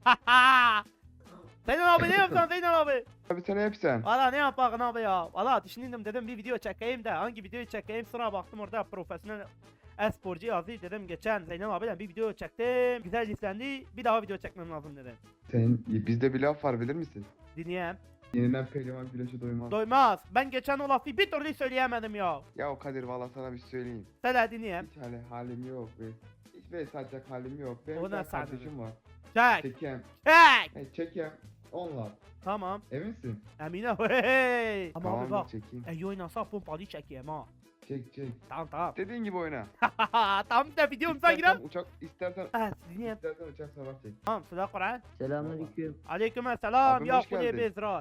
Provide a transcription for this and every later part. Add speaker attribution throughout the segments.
Speaker 1: Zeynel abi ne yapıyorsun Zeynel abi?
Speaker 2: Abi sen hep sen.
Speaker 1: Valla ne yapalım abi ya. Valla düşündüm dedim bir video çekeyim de hangi videoyu çekeyim, sonra baktım orada profesyonel e-sporcu yazdı, dedim geçen Zeynel abiyle bir video çektim, güzel izlendi, bir daha video çekmem lazım dedim.
Speaker 2: Senin bizde bir laf var bilir misin?
Speaker 1: Dinleyeyim.
Speaker 2: Yenilen pehlivan güneşe doymaz.
Speaker 1: Doymaz. Ben geçen o lafı bir türlü söyleyemedim ya.
Speaker 2: Ya o Kadir valla sana bir şey söyleyeyim.
Speaker 1: Söyle dinleyeyim.
Speaker 2: Hiç halim yok be. Hiç böyle satacak halim yok. Benim
Speaker 1: O
Speaker 2: bir tane
Speaker 1: nasıl halim?
Speaker 2: kardeşim var.
Speaker 1: Çek.
Speaker 2: Çekem.
Speaker 1: Çek.
Speaker 2: Çekem. Onlar.
Speaker 1: Tamam.
Speaker 2: Eminsin?
Speaker 1: Emine hey. Ama
Speaker 2: Tamam
Speaker 1: abi
Speaker 2: da
Speaker 1: bak.
Speaker 2: çekeyim.
Speaker 1: İyi oynasa pompalı çekeyim ha.
Speaker 2: Çek.
Speaker 1: Tamam tamam.
Speaker 2: Dediğin gibi oyna.
Speaker 1: Tamam da videomuza girelim.
Speaker 2: İstersen
Speaker 1: Evet dinleyeyim.
Speaker 2: uçak savaş çek.
Speaker 1: Tamam sıra Kur'an.
Speaker 3: Selamünaleyküm.
Speaker 1: Aleykümselam.
Speaker 2: Abim
Speaker 1: Ya
Speaker 2: hoş
Speaker 1: kulübe
Speaker 2: geldin.
Speaker 1: bezrar.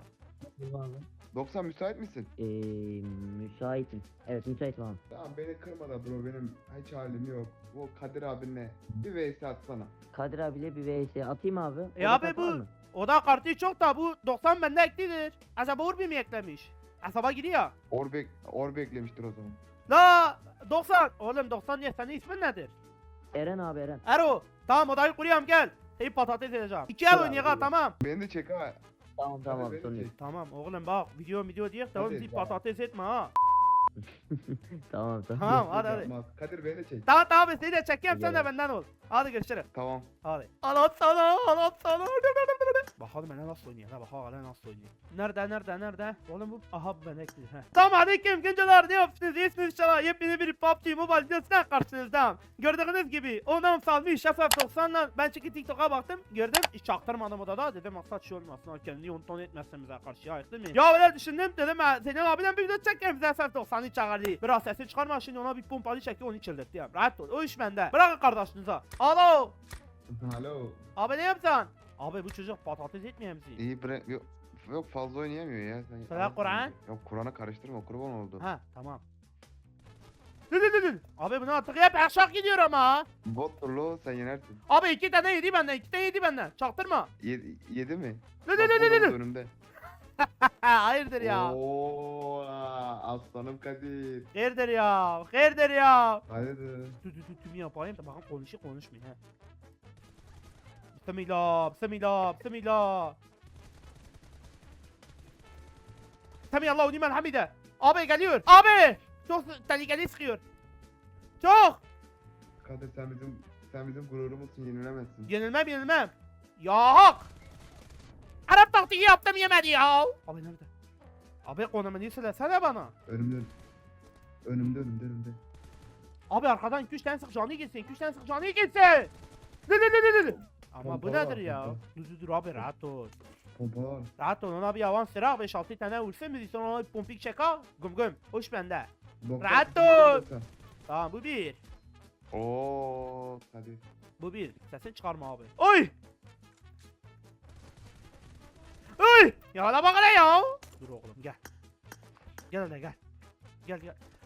Speaker 2: 90 müsait misin?
Speaker 3: Müsaitim. Evet müsaitim abi.
Speaker 2: Tamam beni kırma da bro, benim hiç halim yok. Bu Kadir abinle bir vs atsana.
Speaker 3: Kadir abiyle bir vs atayım abi. O da
Speaker 1: abi
Speaker 3: katar
Speaker 1: bu-
Speaker 3: mı?
Speaker 1: O da kartı çok da bu 90 bende eklidir. Acaba Urbi mi eklemiş? Hesaba giriyor.
Speaker 2: Orbe eklemiştir o zaman.
Speaker 1: La 90. Oğlum 90 diye senin ismin nedir?
Speaker 3: Eren abi Eren.
Speaker 1: Ero. Tamam odayı kuruyorum gel. Seni patates edeceğim. İki ev
Speaker 3: Tamam,
Speaker 1: oynayalım
Speaker 3: tamam.
Speaker 1: tamam.
Speaker 2: Beni de çek ha.
Speaker 3: Tamam tamam
Speaker 2: beni
Speaker 3: sorun yok.
Speaker 2: çek.
Speaker 1: Tamam oğlum bak video diye tamam,
Speaker 2: Hadi,
Speaker 1: bizi
Speaker 2: tamam.
Speaker 1: patates etme ha.
Speaker 3: Tamam tamam.
Speaker 1: Tamam hadi hadi.
Speaker 2: Yapmaz. Kadir beni de çek.
Speaker 1: Tamam tamam seni de çekeyim, sen de
Speaker 3: Gel.
Speaker 1: benden ol. Hadi görüşürüz.
Speaker 2: Tamam.
Speaker 1: Hadi. Anlat sana. Bakalım ben nasıl oynuyor ha, bakalım nasıl oynuyor. Nerede? Oğlum bu, aha bu ben ekledim. Tamam aleyküm gençler, ne yapıyorsunuz? İyisiniz inşallah. Yepyeni bir PUBG Mobile videosuna karşınızdayım. Gördüğünüz gibi ondan salmış FF90'la ben çünkü TikTok'a baktım, gördüm çaktırmadım odada, dedim maksat şey olmasın, ha kendini unton etmezsen bize karşı ya, değil mi? Ya öyle düşündüm, dedim Zeynel abiden bir video çekeyim, bize FF90'ı çağırdı. Biraz sesi çıkarma şimdi, ona bir pompalı çekiyor, onu çıldırttı ya. Rahat ol, o iş bende. Bırakın kardeşinize. Alo.
Speaker 2: Alo.
Speaker 1: Abi ne yapsan? Abi bu çocuk patates etmiyor musun?
Speaker 2: İyi bre yok fazla oynayamıyor ya. Sen
Speaker 1: Söyle Kur'an.
Speaker 2: Yok Kur'an'ı karıştırma, kurban oldu.
Speaker 1: Ha tamam. Dur. Abi bunu artık hep aşağı gidiyor ama.
Speaker 2: Bottur lo, sen yenersin.
Speaker 1: Abi iki tane yedi benden. Çaktırma.
Speaker 2: Yedi mi?
Speaker 1: Dur.
Speaker 2: Bak, burada önümde.
Speaker 1: Hayırdır ya.
Speaker 2: Oo, aslanım Kadir.
Speaker 1: Hayırdır ya. Hayırdır ya.
Speaker 2: Hayırdır.
Speaker 1: Dur tüm yapayım da bakın konuşmuyor ha. Bismillah. Semillah nimen hamide. Abi geliyor. Abi. Çok tehlikeli sıkıyor. Çok.
Speaker 2: Kadir sen bizim gururumuzsun, yenilemezsin.
Speaker 1: Yenilmem. Yok. Arap taktiği yaptım, yemedi ya. Abi nerede? Abi konumunu söylesene bana.
Speaker 2: Önümde.
Speaker 1: Abi arkadan 2-3 tane sık canı gitsin. Dur. Ama bu
Speaker 2: Pompa var,
Speaker 1: nedir ya?
Speaker 2: pompa.
Speaker 1: Dur abi rahat ol.
Speaker 2: Pompa var.
Speaker 1: Rahat ol, ona bir avans ver abi, 5-6 tane vursun bizi, sonra ona bir pompik çek ha. Güm. Hoş bende. Rahat ol. Tamam bu bir.
Speaker 2: Oo Kadir.
Speaker 1: Bu bir. Sesini çıkarma abi. Oy! Ya la bak hele ya. Dur oğlum gel. Gel hele gel. Gel.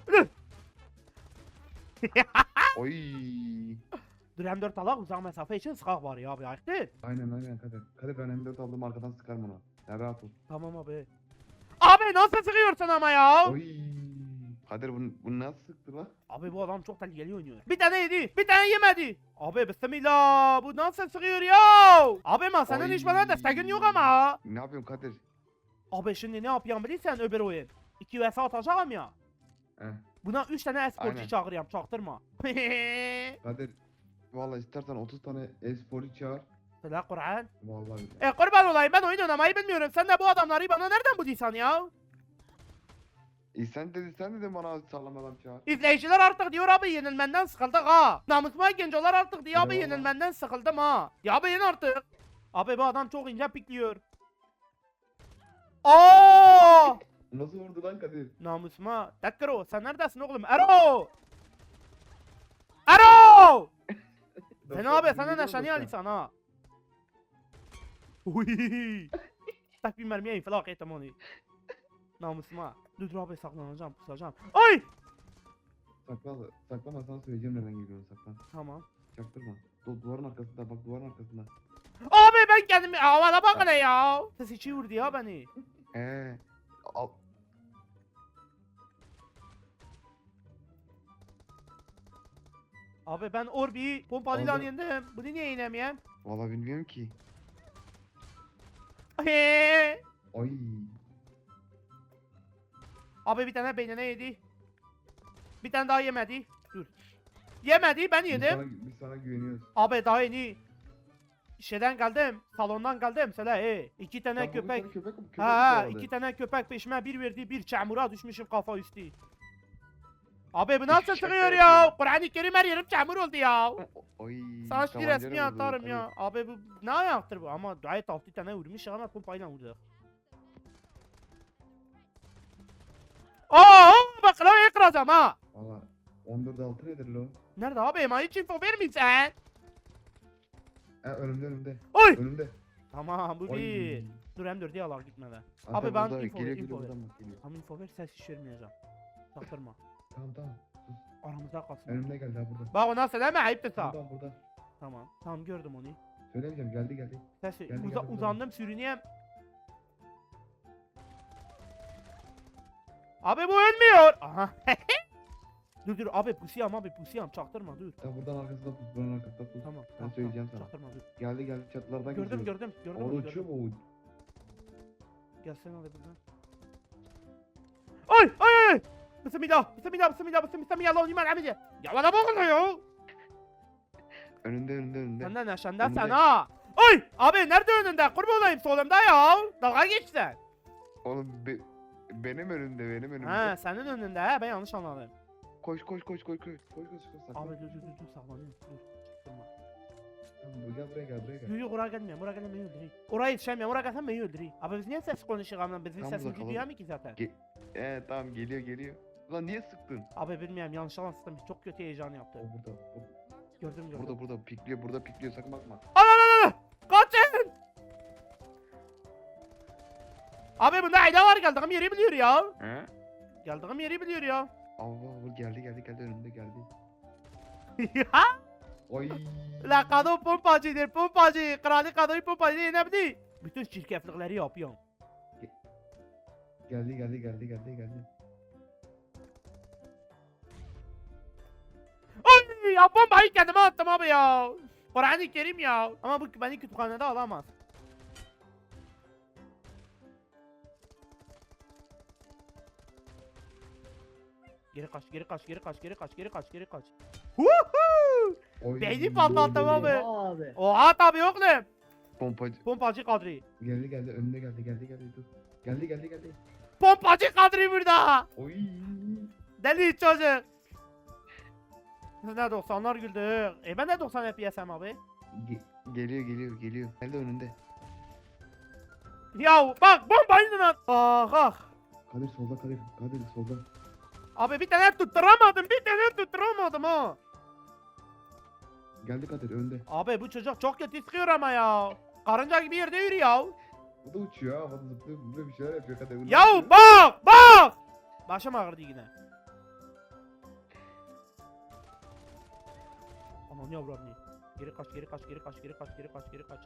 Speaker 2: Oy.
Speaker 1: Dur M4 alak, uzak mesafe için sıkak var ya abi, ayıktır.
Speaker 2: Aynen Kadir. Kadir ben M4 aldım, arkadan sıkarım ona. Sen rahat ol.
Speaker 1: Tamam abi. Abi nasıl sıkıyorsun ama ya?
Speaker 2: Oy. Kadir bu nasıl sıktı lan?
Speaker 1: Abi bu adam çok tehlikeli oynuyor. Bir tane yedi, bir tane yemedi. Abi bismillah, bu nasıl sıkıyor ya? Abi ama senin
Speaker 2: Oy.
Speaker 1: hiç bana desteğin yok ama.
Speaker 2: Ne yapıyorsun Kadir?
Speaker 1: Abi şimdi ne yapayım bilirsen öbür oyun. 2 vs atacağım ya.
Speaker 2: Heh.
Speaker 1: Buna 3 tane esporcu
Speaker 2: Aynen.
Speaker 1: çağırıyorum, çaktırma.
Speaker 2: Kadir vallahi istersen 30 tane e-sporcu çağır.
Speaker 1: Sıla Kur'an.
Speaker 2: Vallahi.
Speaker 1: Kurban olayım, ben oyun oynamayı bilmiyorum. Sen de bu adamları bana nereden bulduysan ya?
Speaker 2: Sen dedin bana sağlam adam çağır.
Speaker 1: İzleyiciler artık diyor abi yenilmenden sıkıldık ha. Namusuma gencolar artık diyor abi
Speaker 2: Eyvallah.
Speaker 1: yenilmenden sıkıldım ha. Ya abi yen artık. Abi bu adam çok ince pikliyor. Aa!
Speaker 2: Nasıl vurdu lan Kadir?
Speaker 1: Namusuma. Tekkero sen neredesin oğlum? Ero! Ero! Sen abi sana neşani alisan ha. Uy. Tak bir mermiye infilak ettim onu. Namusuma. Dur abi saklanacağım, pusacağım. Ay!
Speaker 2: Saklama, sana söyleyeceğim neden geliyorsun, saklan.
Speaker 1: Tamam.
Speaker 2: Çaktırma. Duvarın arkasında bak, duvarın arkasında.
Speaker 1: Abi ben kendimi havada bak hele ya. Ses içi vurdu ya beni.
Speaker 2: Al.
Speaker 1: Abi ben Orbi'yi pompalıyla
Speaker 2: Aldı.
Speaker 1: yendim. Bunu niye yenemeyem?
Speaker 2: Vallahi bilmiyorum ki. Ay.
Speaker 1: Abi bir tane beynine yedi. Bir tane daha yemedi. Dur. Yemedi ben yedim.
Speaker 2: Biz sana güveniyoruz.
Speaker 1: Abi daha yeni. Şeyden geldim. Salondan geldim. Söyle iki tane
Speaker 2: Bak, bu bir
Speaker 1: köpek.
Speaker 2: tane köpek
Speaker 1: Ha
Speaker 2: kovaladı.
Speaker 1: iki tane köpek peşime bir verdi. Bir çamura düşmüşüm kafa üstü. Abi bu nasıl
Speaker 2: Şaka
Speaker 1: çıkıyor ya?
Speaker 2: yapıyor.
Speaker 1: Kur'an-ı Kerim her yerim çamur oldu ya.
Speaker 2: Ay.
Speaker 1: Sana şu
Speaker 2: tabancayla
Speaker 1: resmi
Speaker 2: vurdu,
Speaker 1: atarım
Speaker 2: tabii.
Speaker 1: ya. Abi bu ne ayaktır bu? Ama gayet 6 tane vurmuş ama pompayla vurdu. Aa bak klavyeyi kıracağım ha.
Speaker 2: Valla 14-6 nedir lo?
Speaker 1: Nerede abi? Ema hiç info vermeyeceksin.
Speaker 2: Önümde.
Speaker 1: Oy.
Speaker 2: Önümde.
Speaker 1: Tamam bu
Speaker 2: Ay.
Speaker 1: bir. Dur M4'e alak gitmeden.
Speaker 2: Hatta
Speaker 1: Abi ben
Speaker 2: burada
Speaker 1: info ver,
Speaker 2: geliyor,
Speaker 1: info
Speaker 2: geliyor,
Speaker 1: ver.
Speaker 2: buradan bak, geliyor.
Speaker 1: Ama info ver ses hiç vermeyeceğim. Çaktırma.
Speaker 2: Tamam.
Speaker 1: Aramızda kalsın.
Speaker 2: Önümde geldi ha burada.
Speaker 1: Bak ona söyleme ayıptır sağ.
Speaker 2: Burada.
Speaker 1: Tamam. Tamam gördüm onu.
Speaker 2: Söylemeyeceğim geldi.
Speaker 1: Ses
Speaker 2: Geldi, geldi,
Speaker 1: uzandım sürüneyim. Abi bu ölmüyor. Aha. dur abi pusiyam çaktırma dur.
Speaker 2: Ya buradan arkasında pus, buranın arkasında pus.
Speaker 1: Tamam.
Speaker 2: Ben
Speaker 1: tamam,
Speaker 2: söyleyeceğim
Speaker 1: tamam,
Speaker 2: sana.
Speaker 1: Çaktırma dur.
Speaker 2: Geldi çatılardan
Speaker 1: Gördüm
Speaker 2: geçiyor.
Speaker 1: gördüm gördüm.
Speaker 2: Orada
Speaker 1: onu,
Speaker 2: uçuyor
Speaker 1: gördüm.
Speaker 2: mu o?
Speaker 1: Gelsene hadi buradan. Ay. Bismillah. Allah'ım amice. Ya bana bakın ya.
Speaker 2: Önünde.
Speaker 1: Senden aşağıda
Speaker 2: Önünde.
Speaker 1: sen ha. Ay abi nerede önünde? Kurban olayım solumda ya. Dalga geçsen.
Speaker 2: Oğlum benim önümde.
Speaker 1: Ha senin önünde ha ben yanlış anladım.
Speaker 2: Koş. Koş.
Speaker 1: Abi dur saklanıyorum. Dur. Durma.
Speaker 2: Tamam, gel buraya gel.
Speaker 1: Yok oraya gelmiyorum. Oraya gelmem beni öldüreyim. Oraya yetişemiyorum. Oraya gelsem beni öldüreyim. Abi biz niye ses konuşuyoruz ama bizim
Speaker 2: Tam
Speaker 1: sesimizi
Speaker 2: bakalım.
Speaker 1: duyuyor mu ki zaten?
Speaker 2: Tamam geliyor. Ulan niye sıktın?
Speaker 1: Abi bilmiyorum yanlış anlattım. Çok kötü heyecan yaptı.
Speaker 2: O burada.
Speaker 1: Gördüm.
Speaker 2: Burada pikliyor sakın bakma.
Speaker 1: Al. Kaçın. Abi bunda ayda var geldiğim yeri biliyor ya.
Speaker 2: He?
Speaker 1: Geldiğim yeri biliyor ya.
Speaker 2: Allah geldi önünde geldi. Ay.
Speaker 1: La kadın pompacıdır pompacı. Kralı kadını pompacı yenebilir. Bütün şirketlikleri yapıyorum.
Speaker 2: Geldi.
Speaker 1: Ay ya bombayı kendime attım abi ya. Kur'an-ı Kerim ya. Ama bu beni kütüphanede alamaz. Geri kaç. Huhu!
Speaker 2: Oy.
Speaker 1: Beyni patlattım abi.
Speaker 3: Abi.
Speaker 1: Oha tabii oğlum.
Speaker 2: Pompacı.
Speaker 1: Pompacı Kadri.
Speaker 2: Geldi önüne geldi dur. Geldi.
Speaker 1: Pompacı Kadri burada.
Speaker 2: Oy.
Speaker 1: Deli çocuk. Biz ne 90'lar güldük. Ben de 90 FPS'im abi.
Speaker 2: Geliyor. Geldi önünde.
Speaker 1: Ya bak bombayı da at. Ah.
Speaker 2: Kadir solda.
Speaker 1: Abi bir tane tutturamadım ha.
Speaker 2: Geldi Kadir önde.
Speaker 1: Abi bu çocuk çok kötü sıkıyor ama ya. Karınca gibi yerde yürüyor.
Speaker 2: Bu da uçuyor ha. Havada zıplıyor bir şeyler yapıyor Kadir.
Speaker 1: Ya bak. Başım ağrıdı yine. Aman yavrum. Geri kaç.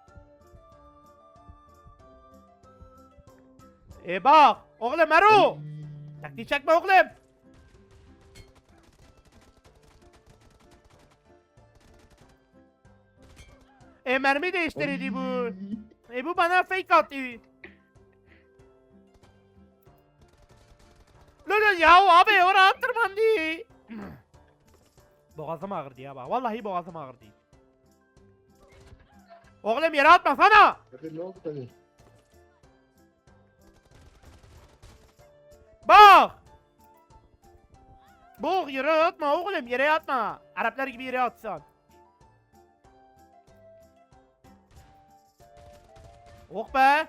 Speaker 1: Bak oğlum Ero. Taktiği çekme oğlum. Mermi değiştirdi bu. Bu bana fake attı. Lolo ya abi oraya tırmandı. Boğazım ağrıdı ya bak. Vallahi boğazım ağrıdı. Oğlum yere atmasana.
Speaker 2: Kadir ne oldu Kadir?
Speaker 1: Bak. Bak yere atma oğlum yere atma. Araplar gibi yere atsan. Oh be.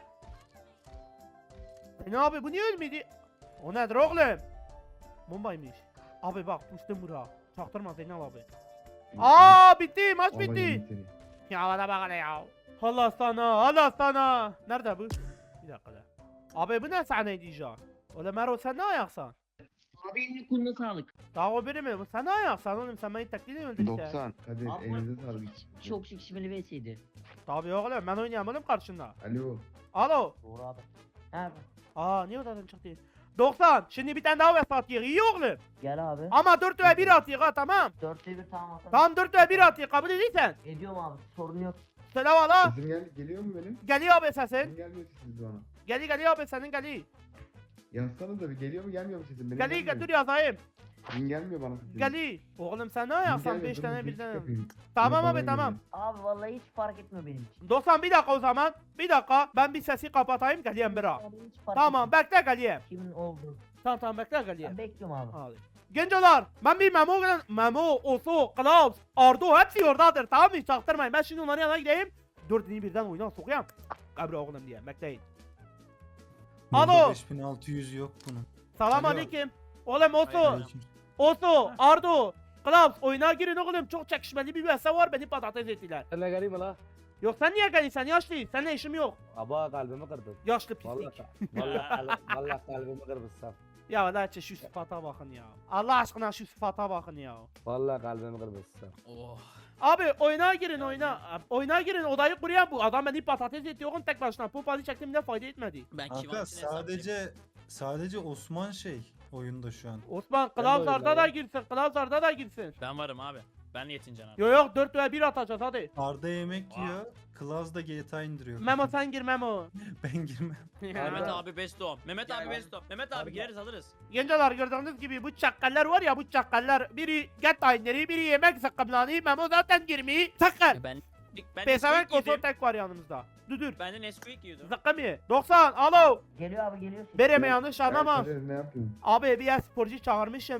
Speaker 1: Ne abi bu niye ölmedi? O nedir oğlum? Bombaymış. Abi bak pustum bura. Çaktırma Zeynel abi. Bitti maç
Speaker 2: Vallahi
Speaker 1: bitti.
Speaker 2: yedim seni.
Speaker 1: Ya bana bak hele ya. Allah sana. Nerede bu? Bir dakika da. Abi bu ne sahneydi ya? Oğlum Mero sen ne ayaksan?
Speaker 3: Abi elini koluna sağlık.
Speaker 1: Daha o biri mi? Sen ne ayaksan oğlum sen beni taklit öldün işte.
Speaker 2: 90. Kadir
Speaker 3: Abi,
Speaker 2: elinize sağlık.
Speaker 3: Çok çekişmeli vs'ydi.
Speaker 1: Tabii oğlum ben oynayamadım karşında.
Speaker 2: Alo.
Speaker 1: Alo.
Speaker 3: Doğru abi. He
Speaker 1: Niye odadan çıktı? 90. Şimdi bir tane daha vesat atıyor. İyi oğlum.
Speaker 3: gel abi.
Speaker 1: Ama 4 ve 1 atıyor ha tamam.
Speaker 3: 4'te 1 tamam atalım.
Speaker 1: Tamam 4 ve 1 atıyor kabul ediysen.
Speaker 3: Ediyorum abi sorun yok.
Speaker 1: Söyle valla.
Speaker 2: Sesim geliyor mu benim?
Speaker 1: Geliyor abi
Speaker 2: Sesim
Speaker 1: sesin.
Speaker 2: gelmiyor sesiniz bana.
Speaker 1: Geliyor abi senin geliyor.
Speaker 2: Yazsanız da bir geliyor mu gelmiyor mu sesim? Benim
Speaker 1: Geliyor
Speaker 2: gelmiyor.
Speaker 1: dur yazayım.
Speaker 2: Benim gelmiyor bana sesim.
Speaker 1: Geliyor. Oğlum sen ne
Speaker 2: Benim
Speaker 1: yapsan
Speaker 2: gelmiyor,
Speaker 1: 5
Speaker 2: durun,
Speaker 1: tane
Speaker 2: bir
Speaker 1: birden.
Speaker 2: yapayım.
Speaker 1: Tamam
Speaker 2: Bana
Speaker 1: abi tamam.
Speaker 3: Abi vallahi hiç fark etmiyor benim için.
Speaker 1: 90 bir dakika o zaman. Bir dakika ben bir sesi kapatayım geleyim bira.
Speaker 3: Yani hiç fark
Speaker 1: Tamam
Speaker 3: etmiyor.
Speaker 1: bekle geleyim.
Speaker 3: Kimin oldu?
Speaker 1: Tamam bekle geleyim.
Speaker 3: Ben bekliyorum abi.
Speaker 1: Hadi. Gencolar ben bir Memo, Oso, Klaus, Ardo hepsi oradadır tamam mı? Çaktırmayın ben şimdi onların yanına gideyim. Dördünü birden oyuna sokayım. Kabri oğlum diye bekleyin.
Speaker 4: Burada
Speaker 1: Alo.
Speaker 4: 5600 yok bunun.
Speaker 1: Selam
Speaker 4: Alo.
Speaker 1: aleyküm. Oğlum Oso,
Speaker 4: Aleyküm.
Speaker 1: Oso, Ardo, Klaus oyuna girin oğlum çok çekişmeli bir vs var beni patates ettiler.
Speaker 5: Sen garip la.
Speaker 1: Yok sen niye geldin sen yaşlı seninle işim yok.
Speaker 5: Aba kalbimi kırdın.
Speaker 1: Yaşlı
Speaker 5: Vallahi
Speaker 1: pislik.
Speaker 5: vallahi kalbimi kırmışsın.
Speaker 1: Ya valla şu sıfata bakın ya. Allah aşkına şu sıfata bakın ya.
Speaker 5: Vallahi kalbimi kırmışsın.
Speaker 1: Abi oyuna girin oyuna. Oyuna girin odayı kuruyan bu. Adam beni patates etti oğlum tek başına. Pompalı çektim de fayda etmedi.
Speaker 6: Ben
Speaker 4: Kanka sadece Osman oyunda şu an.
Speaker 1: Osman
Speaker 5: Ben de
Speaker 1: Klausar'da da
Speaker 5: oyundayım.
Speaker 1: girsin. Klausar'da da girsin.
Speaker 6: Ben varım abi. Ben Yetincan abi.
Speaker 1: Yok 4 ve 1 atacağız hadi.
Speaker 4: Arda yemek yiyor. Klaus da GTA indiriyor.
Speaker 1: Memo sen gir Memo.
Speaker 4: Ben girmem.
Speaker 6: Mehmet abi best on. Mehmet abi best on. Mehmet abi
Speaker 5: Abi-
Speaker 6: gireriz alırız.
Speaker 1: Gençler gördüğünüz gibi bu çakkallar var ya bu çakkallar. Biri get aynları biri yemek sıkkımlanı. Memo zaten girmeyi sakın.
Speaker 6: Ben
Speaker 1: Pesavenk
Speaker 6: Nesquik
Speaker 1: konsol
Speaker 6: yedim.
Speaker 1: tek var yanımızda. Düdür.
Speaker 6: Ben de Nesquik yiyordum.
Speaker 1: Zıkkım ye. 90 alo.
Speaker 3: Geliyor abi geliyor.
Speaker 1: Bereme yanlış
Speaker 2: Ben
Speaker 1: anlama.
Speaker 2: Kadir ne yapayım?
Speaker 1: Abi bir sporcu çağırmışım.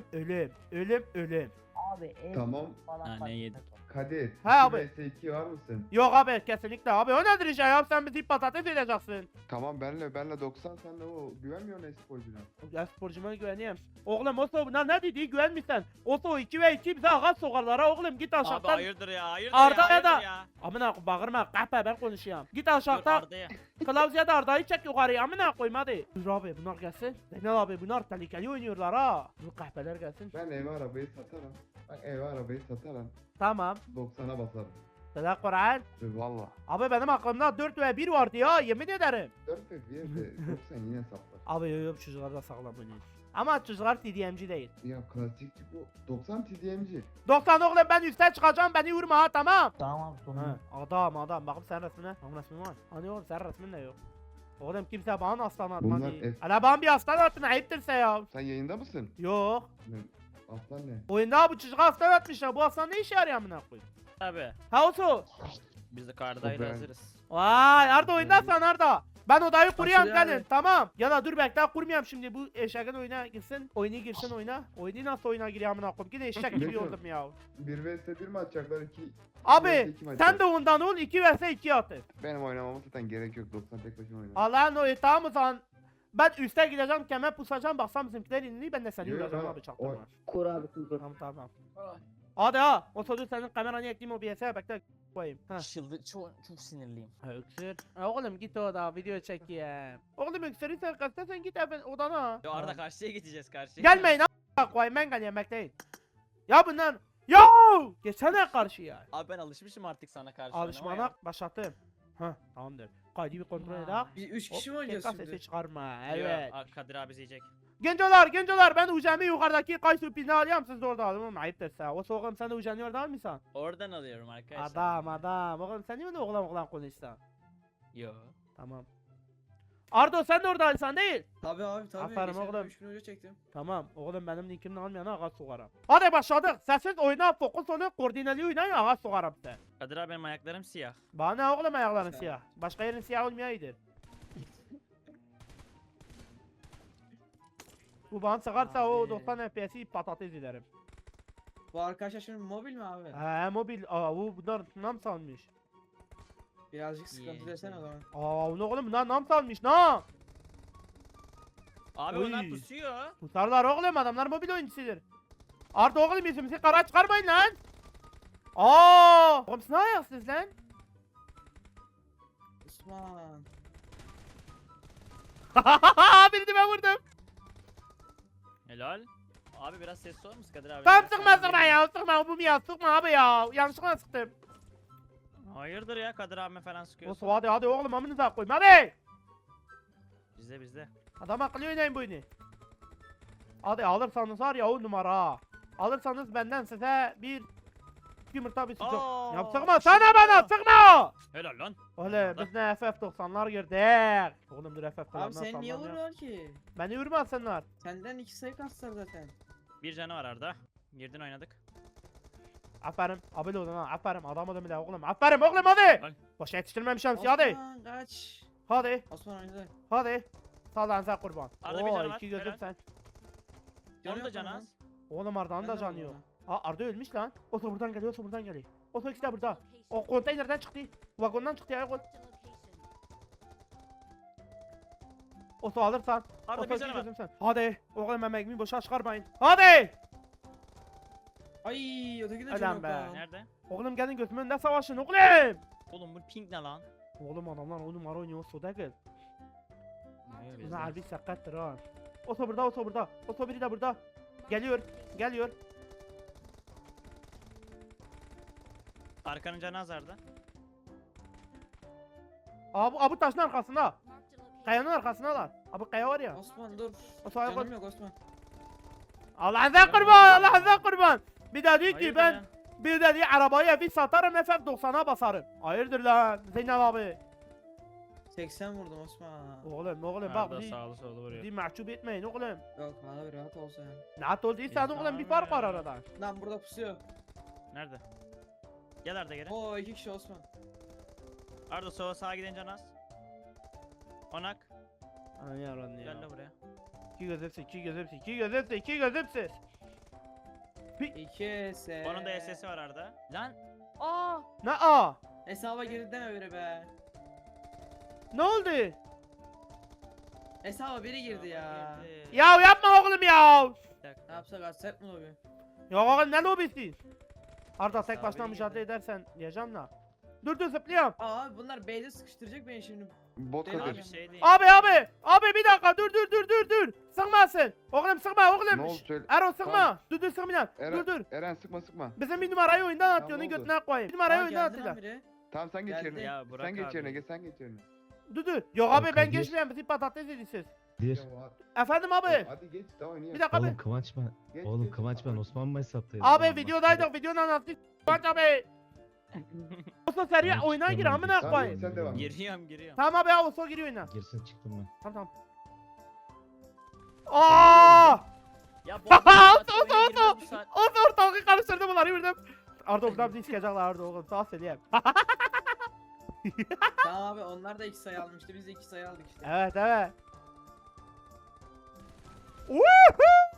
Speaker 1: Ölüm.
Speaker 3: Abi el
Speaker 2: Tamam.
Speaker 3: falan
Speaker 6: Ha,
Speaker 3: fark
Speaker 6: ne
Speaker 3: etmez.
Speaker 2: Kadir.
Speaker 1: Ha
Speaker 2: 2
Speaker 1: abi.
Speaker 2: vs 2 var mısın?
Speaker 1: Yok abi kesinlikle abi o nedir iş ya sen bizi patates edeceksin.
Speaker 2: Tamam benle 90 sen de o güvenmiyorsun esporcuna.
Speaker 1: Ya sporcuma güveneyim. Oğlum Oso bunlar ne dediği güvenmişsen. Oso 2 ve 2 bize ağaç sokarlar ha oğlum git
Speaker 6: Abi
Speaker 1: aşağıdan.
Speaker 6: hayırdır ya hayırdır
Speaker 1: Arda
Speaker 6: ya
Speaker 1: ya da-
Speaker 6: hayırdır ya.
Speaker 1: Amına bağırma kahpe ben konuşuyorum. Git
Speaker 6: Dur
Speaker 1: aşağıda
Speaker 6: Arda'ya.
Speaker 1: Klaus da Arda'yı çek yukarıya amına koyayım hadi. Dur abi bunlar gelsin. Zeynel abi bunlar tehlikeli oynuyorlar ha. Bu kahpeler gelsin.
Speaker 2: Ben eve arabayı satarım. Bak eve arabayı satarım.
Speaker 1: Tamam.
Speaker 2: 90'a basarım.
Speaker 1: Sada Kur'an.
Speaker 2: Valla.
Speaker 1: Abi benim aklımda 4 ve 1 vardı ya yemin ederim.
Speaker 2: 4 ve 1 de 90 yine saplar.
Speaker 1: Abi yok çocuklar da sağlam oynuyor. Ama çocuklar TDM'ci değil.
Speaker 2: Ya klasikçi bu. 90 TDM'ci.
Speaker 1: 90 oğlum ben üstten çıkacağım beni vurma ha tamam.
Speaker 3: Tamam abi sonunda.
Speaker 1: Adam bakın sen resmine. Benim resmim var. Hani oğlum sen resmin de yok. Oğlum kimse bana aslan
Speaker 2: Bunlar
Speaker 1: atmadı.
Speaker 2: F-
Speaker 1: Hala bana bir aslan attın ayıptırsa ya.
Speaker 2: Sen yayında mısın?
Speaker 1: Yok.
Speaker 2: Aslan ne?
Speaker 1: Oyunda bu çocuğa aslan atmışlar. Bu aslan ne işe yarıyor amına koyayım?
Speaker 6: Abi
Speaker 1: Ha Osu.
Speaker 6: biz de kardayla
Speaker 2: Ben-
Speaker 6: hazırız.
Speaker 1: Vay Arda oyundasın Arda. Ben odayı kuruyorum
Speaker 5: Nasıl yani?
Speaker 1: gelin tamam. Ya da dur bekle kurmuyorum şimdi bu eşeğin oyuna girsin. Oyunu girsin oyuna. Oyunu nasıl oyuna giriyor amına koyayım? Yine eşek gibi
Speaker 2: Neyse.
Speaker 1: oldum ya.
Speaker 2: 1 vs 1 mi atacaklar? 2
Speaker 1: Abi sen de ondan ol 2 vs 2 atın.
Speaker 2: Benim oynamama zaten gerek yok. 90 tek başına oynarım.
Speaker 1: Allah'ın o tamam o zaman. Ben üste gideceğim kemer pusacağım baksam bizimkiler inli ben de seni
Speaker 2: Yok,
Speaker 1: vuracağım
Speaker 2: ha,
Speaker 1: abi çaktırma.
Speaker 3: Kur abi kur.
Speaker 1: Tamam. Hadi ha o sözü senin kameranı ekleyeyim o BS'e bekle koyayım. Ha.
Speaker 6: Çok sinirliyim.
Speaker 1: Ha öksür. Ha, oğlum git oda video çek ya. Oğlum öksürürsen kaçta sen git evin odana.
Speaker 6: Yo Arda karşıya gideceğiz karşıya.
Speaker 1: Gelmeyin a**a koyayım ben geleyim bekleyin. Ya bunlar. Yo! Geçsene karşıya.
Speaker 6: Abi ben alışmışım artık sana karşı.
Speaker 1: Alışmana başlattım. Hah tamamdır. Kaydı bir kontrol edelim.
Speaker 7: Biz 3 kişi mi
Speaker 1: Hop,
Speaker 7: oynayacağız
Speaker 1: tekrar
Speaker 7: şimdi?
Speaker 1: sesi çıkarma. Evet.
Speaker 6: Kadir abi izleyecek.
Speaker 1: Gencolar ben ucamı yukarıdaki kayısı pilini alıyorum siz de orada alın oğlum ayıptır sen. O soğukum sen de ucanı orada almışsan.
Speaker 6: Oradan alıyorum arkadaşlar.
Speaker 1: Adam oğlum sen niye öyle oğlan konuşsan?
Speaker 6: Yo.
Speaker 1: Tamam. Ardo sen de orada alsan değil.
Speaker 7: Tabii abi tabii.
Speaker 1: Aferin
Speaker 7: Geçen
Speaker 1: oğlum.
Speaker 7: 3 gün önce çektim.
Speaker 1: Tamam oğlum benim linkimden almayana ağaç sokarım. Hadi başladık. Sessiz oyna fokus olun koordineli oynayın ağaç sokarım size.
Speaker 6: Kadir abi benim ayaklarım siyah.
Speaker 1: Bana ne oğlum ayakların siyah. Başka yerin siyah olmayaydı. Bu bana sıkarsa o
Speaker 7: Abi.
Speaker 1: 90 FPS'i patates ederim.
Speaker 7: Bu arkadaşlar şimdi mobil mi abi?
Speaker 1: Mobil. Bunlar nam salmış.
Speaker 7: Birazcık sıkıntı
Speaker 6: Yeğenim.
Speaker 7: desene o zaman.
Speaker 1: Ne oğlum bunlar nam salmış nam.
Speaker 6: Abi
Speaker 1: Oy.
Speaker 6: onlar pusuyor.
Speaker 1: Tutarlar oğlum adamlar mobil oyuncusudur. Arda oğlum yüzümüzü kara çıkarmayın lan. Oğlum siz ne ayaksınız lan?
Speaker 7: Osman.
Speaker 1: Birini ben vurdum.
Speaker 6: Helal. Abi biraz sessiz olur musun Kadir abi?
Speaker 1: Tamam
Speaker 6: Biraz
Speaker 1: sıkma ya sıkma bu ya sıkma abi ya. Yanlışlıkla sıktım.
Speaker 6: Hayırdır ya Kadir abi falan sıkıyorsun.
Speaker 1: Osu hadi oğlum amınıza koyayım hadi.
Speaker 6: Bizde.
Speaker 1: Adam akıllı oynayın bu oyunu. Hadi alırsanız var ya o numara. Alırsanız benden size bir Yumurta bir sıcak.
Speaker 6: Aa,
Speaker 1: Ya sıkma sana bana sıkma.
Speaker 6: Helal lan.
Speaker 1: Oğlum
Speaker 6: Arda.
Speaker 1: biz ne FF90'lar girdik. Oğlum dur FF90'lar
Speaker 7: Abi sen niye vuruyorsun ki?
Speaker 1: Beni vurmasınlar.
Speaker 7: Senden 2 sayı kastılar zaten.
Speaker 6: Bir canı var Arda. Girdin oynadık.
Speaker 1: Aferin. Abil olun ha. Aferin. Adam adamı da oğlum. Aferin oğlum hadi.
Speaker 6: Al.
Speaker 1: Boşa yetiştirmemişim sizi hadi.
Speaker 7: Osman kaç.
Speaker 1: Hadi.
Speaker 7: Osman oynadı.
Speaker 1: Hadi. Sağ lan sen kurban.
Speaker 6: Arda bir
Speaker 1: Oo
Speaker 6: canı var,
Speaker 1: iki gözüm
Speaker 6: helal.
Speaker 1: sen.
Speaker 7: Canı
Speaker 6: Onu da
Speaker 7: yok
Speaker 6: canı
Speaker 7: lan.
Speaker 6: az.
Speaker 1: Oğlum Arda'nın
Speaker 7: Ben
Speaker 1: da
Speaker 7: de
Speaker 1: canı
Speaker 7: vurdum
Speaker 1: yok.
Speaker 7: ona.
Speaker 1: Aa Arda ölmüş lan. Oto buradan geliyor, oto buradan geliyor. Oto ikisi de burada. O konteynerden çıktı. Vagondan çıktı ya. Oto alırsan.
Speaker 6: Arda
Speaker 1: Oto
Speaker 6: bir
Speaker 1: iki
Speaker 6: canı var.
Speaker 1: gözüm sen. Hadi. Oğlum emeğimi boşa çıkarmayın. Hadi.
Speaker 7: Ay öteki de
Speaker 1: Adam
Speaker 7: canı yok
Speaker 1: be.
Speaker 7: lan.
Speaker 6: Nerede?
Speaker 1: Oğlum gelin gözümün önünde savaşın oğlum.
Speaker 6: Oğlum bu pink ne lan?
Speaker 1: Oğlum adamlar o numara oynuyor soda gel.
Speaker 6: Hayır,
Speaker 1: Bu
Speaker 6: bizde.
Speaker 1: harbi sakattır ha. Oto burada, oto burada. Oto biri de burada. Geliyor, geliyor.
Speaker 6: Arkanın canı az Arda.
Speaker 1: Abi taşın arkasında. Kayanın arkasındalar. Abi kaya var ya.
Speaker 7: Osman dur.
Speaker 1: O sağa koy.
Speaker 7: Canım yok Osman.
Speaker 1: Allah'ın kurban, Allah'ın kurban. Bir de diyor ki
Speaker 6: Hayırdır
Speaker 1: ben
Speaker 6: ya?
Speaker 1: bir de diyor arabayı bir satarım FF90'a basarım. Hayırdır lan Zeynep abi.
Speaker 7: 80 vurdum Osman.
Speaker 1: Oğlum bak
Speaker 6: Arda
Speaker 1: bizi
Speaker 6: sağlı sollu vuruyor.
Speaker 1: mahcup etmeyin oğlum.
Speaker 7: Yok abi rahat ol sen.
Speaker 1: Rahat ol değilsen
Speaker 6: Biz
Speaker 1: oğlum bir
Speaker 6: tamam
Speaker 1: fark var
Speaker 6: ya.
Speaker 1: arada.
Speaker 7: Lan burada pusuyor.
Speaker 6: Nerede? Gel Arda geri.
Speaker 7: Oo 2 kişi Osman.
Speaker 6: Arda sola sağa giden can az. Onak.
Speaker 1: Anan yaran
Speaker 6: Gel de buraya.
Speaker 1: İki gözümsüz, iki gözümsüz, iki gözümsüz, iki gözümsüz.
Speaker 7: 2 S.
Speaker 6: Onun da SS'i var Arda. Lan.
Speaker 1: Ne a?
Speaker 7: Hesaba girdi deme biri be.
Speaker 1: Ne oldu?
Speaker 7: Hesaba biri girdi ya.
Speaker 6: Girdi.
Speaker 1: Ya yapma oğlum ya.
Speaker 6: Bir dakika.
Speaker 7: Ne yapsak açsak mı lobi?
Speaker 1: Ya oğlum ne lobisi? Arda tek
Speaker 6: Abi
Speaker 1: başına
Speaker 6: yine.
Speaker 1: mücadele edersen diyeceğim la. Dur zıplıyorum.
Speaker 7: Aa abi bunlar B'de sıkıştıracak beni şimdi.
Speaker 2: Bot
Speaker 7: Abi,
Speaker 6: Abi
Speaker 2: Kadir.
Speaker 6: şey değil.
Speaker 1: Abi bir dakika dur. Sıkmasın. Oğlum sıkma oğlum.
Speaker 2: Ne oldu söyle.
Speaker 1: Erol sıkma.
Speaker 2: Tamam.
Speaker 1: Dur sıkmayın. Dur.
Speaker 2: Eren sıkma.
Speaker 1: Bizim bir numarayı oyundan
Speaker 2: Tamam,
Speaker 1: atıyor. Onu
Speaker 2: oldu.
Speaker 1: götüne koyayım. Bir numarayı
Speaker 7: Aa
Speaker 1: oyundan
Speaker 7: geldi lan
Speaker 1: atıyorlar.
Speaker 7: biri.
Speaker 2: Tamam sen geç
Speaker 7: Geldi.
Speaker 2: yerine.
Speaker 6: Ya bırak
Speaker 2: Sen geç
Speaker 6: abi.
Speaker 2: yerine, sen geç yerine.
Speaker 1: Dur. Yok abi ben
Speaker 8: Kadir.
Speaker 1: geçmeyen bizi patates edeceğiz.
Speaker 8: Bir.
Speaker 1: Efendim abi.
Speaker 2: Hadi geç tamam niye?
Speaker 1: Bir dakika abi.
Speaker 8: Oğlum Kıvanç ben.
Speaker 2: Geç,
Speaker 8: Oğlum
Speaker 2: geç.
Speaker 8: Kıvanç ben Osman mı hesaptaydım?
Speaker 1: Abi videodaydık. Videonun anlattık. Bak abi. Olsa seri
Speaker 8: Tamam,
Speaker 1: oyuna gir
Speaker 8: çıktım
Speaker 1: amına
Speaker 8: ben.
Speaker 2: Tamam,
Speaker 1: koyayım.
Speaker 2: sen devam.
Speaker 6: Giriyorum.
Speaker 1: Tamam abi ya olsa giriyor oyuna.
Speaker 8: Girsin çıktım ben.
Speaker 1: Tamam. Aa!
Speaker 6: Ya bu
Speaker 1: Oto. Ortalığı karıştırdım bunları yürüdüm. Arda buradan bizi sikecekler Arda oğlum. Sağ söyleyeyim.
Speaker 7: Tamam abi onlar da 2 sayı almıştı. Biz de 2 sayı aldık işte.
Speaker 1: Evet. Woohoo!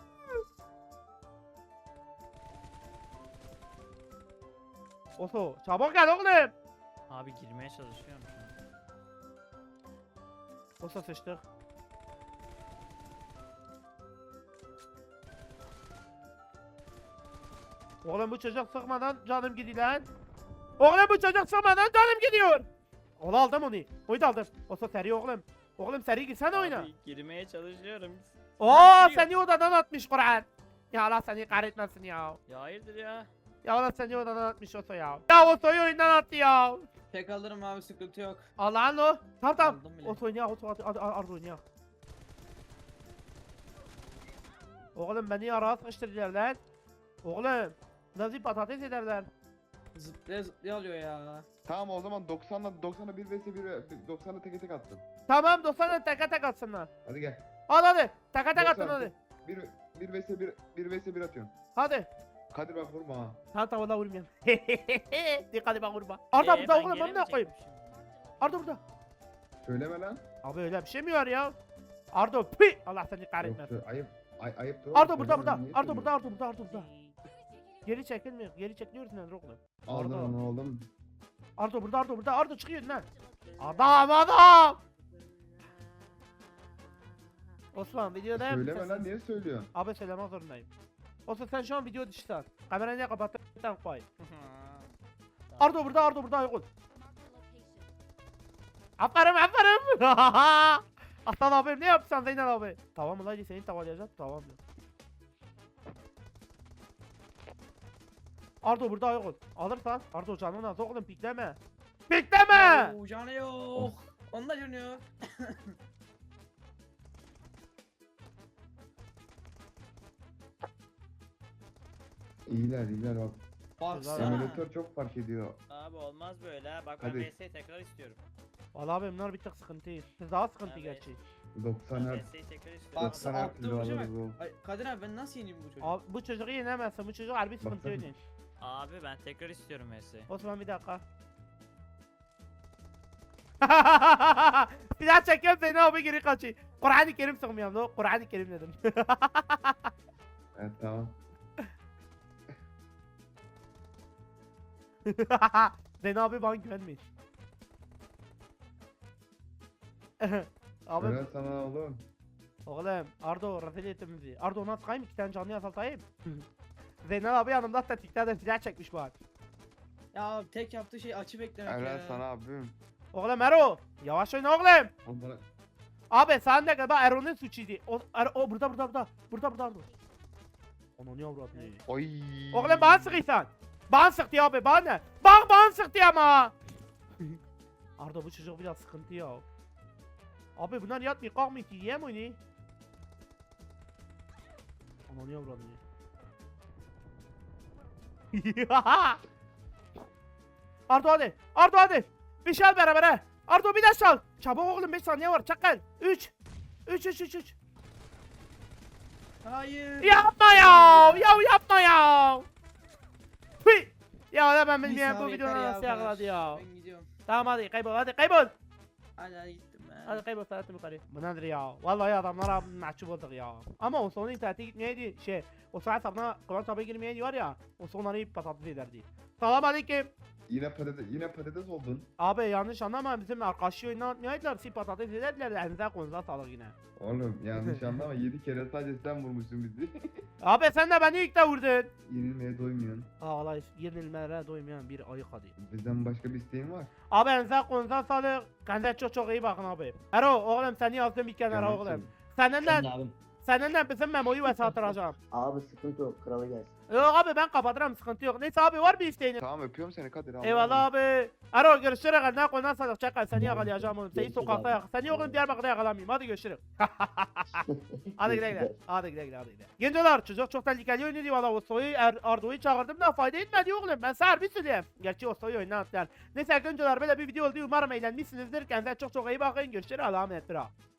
Speaker 1: Oto çabuk gel oğlum.
Speaker 6: Abi girmeye çalışıyorum şu an.
Speaker 1: Oto sıçtık. Oğlum bu çocuk sıkmadan canım gidiyor lan. Oğlum bu çocuk sıkmadan canım gidiyor. Oğlum aldım onu. Oyunu aldım. Oto seri oğlum. Oğlum seri girsene oyuna.
Speaker 6: Abi girmeye çalışıyorum.
Speaker 1: Oo
Speaker 6: giriyor.
Speaker 1: seni odadan atmış Kur'an. Ya Allah seni kahretmesin ya.
Speaker 6: Ya hayırdır ya?
Speaker 1: Ya Allah seni odadan atmış Oto ya. Ya Oto'yu oyundan attı ya.
Speaker 7: Tek alırım abi sıkıntı yok.
Speaker 1: Allah'ın o. Tamam.
Speaker 7: Aldım bile.
Speaker 1: Oto oynuyor, Oto Arda oynuyor. Oğlum beni araya sıkıştırdılar lan. Oğlum. Nasıl patates ederler.
Speaker 7: Zıplaya alıyor ya.
Speaker 2: Tamam o zaman 90'la 1 vs 1 90'la tek attım.
Speaker 1: Tamam 90'dan teke atsınlar.
Speaker 2: Hadi gel.
Speaker 1: Hadi. Teke attın
Speaker 2: 90,
Speaker 1: hadi.
Speaker 2: 1 vs 1 atıyorum.
Speaker 1: Hadi.
Speaker 2: Kadir bak vurma ha.
Speaker 1: Tamam vurmayayım. Dikkatli bak vurma. Arda burada
Speaker 6: ben
Speaker 1: oğlum ben ne
Speaker 6: gelemeyecek
Speaker 1: koyayım?
Speaker 6: miyim şimdi?
Speaker 1: Arda burada.
Speaker 2: Söyleme lan.
Speaker 1: Abi öyle bir şey mi var ya? Arda pi. Allah seni kahretmesin.
Speaker 2: Yoksa ayıp dur.
Speaker 1: Arda burada. Arda burada. Geri çekilmiyor. Geri çekiliyorsun lan oğlum.
Speaker 2: Aldın
Speaker 1: Arda.
Speaker 2: onu oğlum.
Speaker 1: Arda burada. Arda çıkıyor lan. Adam. Osman videoda
Speaker 2: Söyleme lan niye söylüyorsun?
Speaker 1: Abi söylemek zorundayım. Osman sen şu an video dışısın. Kamerayı ne kapattın koy. Arda burada yok. Aferin. Aslan abim ne yapsan Zeynep abi? Tamam mı lan seni tavalayacağım. Tamam mı? Arda burada yok. Alırsan Arda canını az oğlum pikleme. Pikleme!
Speaker 7: Oo, canı yok. Onda canı yok.
Speaker 2: İyiler bak.
Speaker 7: Baksana.
Speaker 2: Emülatör çok fark ediyor.
Speaker 6: Abi olmaz böyle ha. Bak ben
Speaker 2: Hadi.
Speaker 6: VS'yi tekrar istiyorum.
Speaker 1: Valla abi bunlar bir tık sıkıntı. Siz daha sıkıntı
Speaker 6: Evet.
Speaker 1: gerçi.
Speaker 2: 90
Speaker 6: Ben
Speaker 2: Hz.
Speaker 6: VS'yi tekrar istiyorum.
Speaker 7: Bak,
Speaker 2: 90 Hz
Speaker 7: attığım uca bak.
Speaker 2: alırız o.
Speaker 7: Ay, Kadir abi ben nasıl yeneyim bu çocuğu?
Speaker 1: Abi bu çocuğu yenemezsin. Bu çocuk harbi sıkıntı
Speaker 2: Baksana.
Speaker 1: oynuyor.
Speaker 6: Abi ben tekrar istiyorum VS'yi.
Speaker 1: Osman bir dakika. Bir daha çekiyorum seni abi geri kaçayım. Kur'an-ı Kerim sıkmıyorum da Kur'an-ı Kerim dedim.
Speaker 2: Evet tamam.
Speaker 1: Zeyno abi bana güvenmeyin. Abi
Speaker 2: Helal sana oğlum.
Speaker 1: oğlum Ardo rezil ettin bizi. Ardo ona sıkayım 2 tane canlı yasaltayım. Zeyno abi yanımda tetiklerden silah çekmiş bak.
Speaker 7: Ya tek yaptığı şey açı beklemek
Speaker 2: Helal
Speaker 7: ya.
Speaker 2: sana abim.
Speaker 1: Oğlum Ero yavaş oyna oğlum.
Speaker 2: Oğlum bana...
Speaker 1: Abi sen de galiba Ero'nun suçuydu. O burada. Burada Ardo. Onu niye avradını?
Speaker 2: Oy.
Speaker 1: Oğlum bana sıkıysan. Bana sıktı abi bana ne? Bak bana sıktı ama. Arda bu çocuk biraz sıkıntı ya. Abi bunlar yatmıyor kalkmıyor ki yiyem oyunu. Ama niye avradını? Arda hadi. Arda hadi. Bir şey al beraber he. Arda bir de çal. Çabuk oğlum 5 saniye var çakal. 3. 3.
Speaker 7: Hayır.
Speaker 1: Yapma ya. Yapma ya. Hıy. Ya da ben
Speaker 7: Bir
Speaker 1: bilmiyorum bu
Speaker 7: saniye
Speaker 1: videonun
Speaker 7: yeter
Speaker 1: nasıl
Speaker 7: bu kadar.
Speaker 1: yakaladı ya.
Speaker 7: Ben gidiyorum.
Speaker 1: Tamam hadi kaybol hadi.
Speaker 7: Hadi gittim ben.
Speaker 1: Hadi kaybol Serhat'ım yukarı. Bu nedir ya? Vallahi adamlara mahcup olduk ya. Ama o sonra internete gitmeyeydi o sonra hesabına Kıvanç abi girmeyeydi var ya. O sonları patates ederdi. Selam aleyküm.
Speaker 2: Yine patates oldun.
Speaker 1: Abi yanlış anlama bizim arkadaşı oynatmayaydılar. Si patates ederdiler. Elinize konuza sağlık yine.
Speaker 2: Oğlum yanlış anlama 7 kere sadece sen vurmuşsun bizi.
Speaker 1: Abi sen de beni ilk de vurdun.
Speaker 2: Yenilmeye doymuyorsun.
Speaker 1: Aa vallahi yenilmelere doymayan bir ayık hadi.
Speaker 2: Bizden başka bir isteğin var.
Speaker 1: Abi elinize konuza sağlık. Kendinize çok iyi bakın abi. Ero oğlum seni yazdım bir kenara
Speaker 2: Yanlış
Speaker 1: oğlum.
Speaker 2: söyledim.
Speaker 1: Seninle bizim memoyu vesatıracağım.
Speaker 3: Abi sıkıntı yok. Kralı gelsin.
Speaker 1: Yok abi ben kapatırım sıkıntı yok. Neyse abi var bir isteğin.
Speaker 2: Tamam öpüyorum seni Kadir. Allah'a
Speaker 1: Eyvallah
Speaker 2: emanet.
Speaker 1: abi. Ero görüşürüz. Ne konudan sağlık çakal seni yakalayacağım oğlum. Seni
Speaker 3: Görüşürüz
Speaker 1: sokakta
Speaker 3: abi.
Speaker 1: Seni oğlum Diyarbakır'da yakalamayayım. Hadi görüşürüz. Hadi güle. Hadi güle. Gencolar çocuk çok tehlikeli oynuyordu valla Oso'yu Ardo'yu çağırdım da fayda etmedi oğlum. Ben sana bir söyleyeyim. Gerçi Oso'yu oynattılar. Neyse gencolar böyle bir video oldu. Umarım eğlenmişsinizdir. Kendinize çok iyi bakın. Görüşürüz. Allah'a emanet.